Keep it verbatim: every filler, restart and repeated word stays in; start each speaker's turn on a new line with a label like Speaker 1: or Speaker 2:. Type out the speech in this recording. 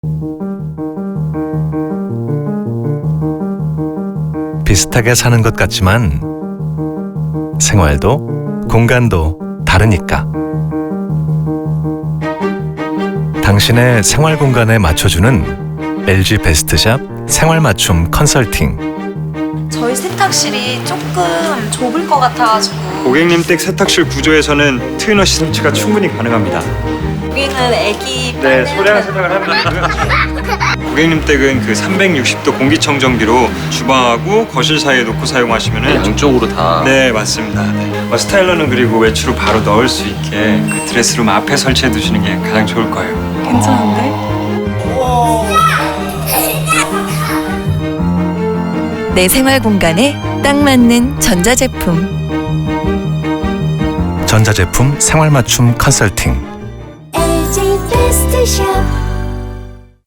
Speaker 1: 비슷하게 사는 것 같지만 생활도 공간도 다르니까. 당신의 생활 공간에 맞춰주는 엘지 베스트샵 생활 맞춤 컨설팅.
Speaker 2: 저희 세탁실이 조금 좁을 것 같아가지고.
Speaker 3: 고객님 댁 세탁실 구조에서는 트위너시 설치가 충분히 가능합니다.
Speaker 2: 여기는 애기
Speaker 3: 네,
Speaker 2: 빨래
Speaker 3: 소량
Speaker 2: 하는-
Speaker 3: 세탁을 하면 고객님 댁은 그 삼백육십 도 공기청정기로 주방하고 거실 사이에 놓고 사용하시면은
Speaker 4: 양쪽으로 다.
Speaker 3: 네, 맞습니다. 네. 어, 스타일러는 그리고 외출을 바로 넣을 수 있게 그 드레스룸 앞에 설치해 두시는 게 가장 좋을 거예요.
Speaker 2: 괜찮은데?
Speaker 5: 내 생활 공간에 딱 맞는 전자제품.
Speaker 1: 전자제품 생활 맞춤 컨설팅.